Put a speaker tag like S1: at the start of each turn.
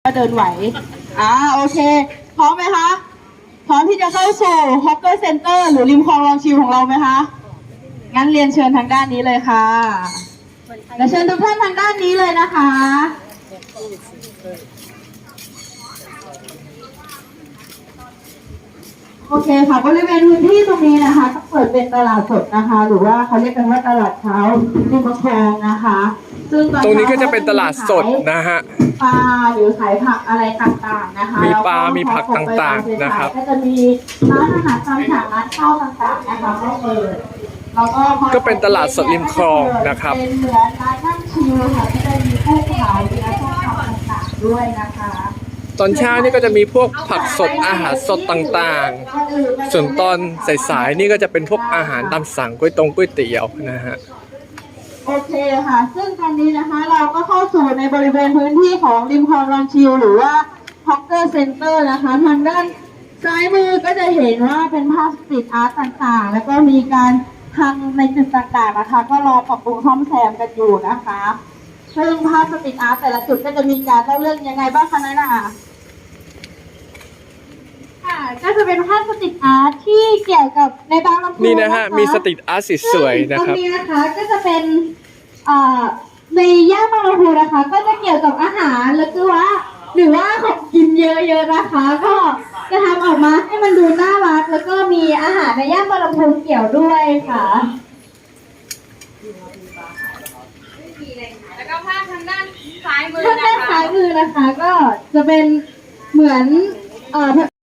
S1: ก็เดินไหวโอเคพร้อมไหมคะพร้อมที่จะเข้าสู่ฮอกเกอร์เซ็นเตอร์หรือริมคลองลองชิวของเราไหมคะงั้นเรียนเชิญทางด้านนี้เลยค่ะและเชิญทุกท่านทางด้านนี้เลยนะคะโอเคค่ะบริเวณพื้นที่ตรงนี้นะคะก็เปิดเป็นตลาดสดนะคะหรือว่าเขาเรียกกันว่าตลาดเช้าริมคลองนะคะซึ่งต
S2: รงนี้ก็จะเป็นตลาดสดนะฮะ
S1: ปลาหรือขายผักอะไรต่างๆนะคะ
S2: มีปลามีผักต่างๆนะครับ
S1: ก็จะมีร้านอาหารตามสั่งร้านข้าวต่างๆนะคะก็เปิดแล้ว
S2: ก็เป็นตลาดสดริมคลองนะครับ
S1: เป็นเหมือนร้านนั่งชิลค่ะก็จะมีผู้ขายและผู้ทำต่างๆด้วยนะคะ
S2: ตอนเช้านี่ก็จะมีพวกผักสดอาหารสดต่างๆส่วนตอนสายๆนี่ก็จะเป็นพวกอาหารตามสั่งก๋วยเตี๋ยวนะฮะ
S1: โอเคค่ะซึ่งตอนนี้นะคะเราก็เข้าสู่ในบริเวณพื้นที่ของริมคลองลองชิวหรือว่าฮอกเกอร์เซ็นเตอร์นะคะทางด้านซ้ายมือก็จะเห็นว่าเป็นภาพสตรีทอาร์ตต่างๆแล้วก็มีการทำในจุดต่างๆนะคะก็รอปรับปรุงซ่อมแซมกันอยู่นะคะซึ่งภาพสตรีทอาร์ตแต่ละจุดก็จะมีการเล่าเรื่องยังไงบ้างคะนั่นน่ะก็จะเป็นภาพสตรีทอาร์ตที่เกี่ยวกับในบางลำพู
S2: นี่นะฮะมีสตรีทอาร์ตสวยๆนะครับ
S1: ตรงนี้นะคะก็จะเป็นในย่านบางลำพูนะคะก็จะเกี่ยวกับอาหารแล้วก็ว่าหรือว่าของกินเยอะๆนะคะก็จะทำออกมาให้มันดูน่ารักแล้วก็มีอาหารในย่านบางลำพูเกี่ยวด้วยค่ะ
S3: แล้วก็ภาพทางด้านซ้ายมือ
S1: ทางด้านซ้ายมือนะคะก็จะเป็นเหมือน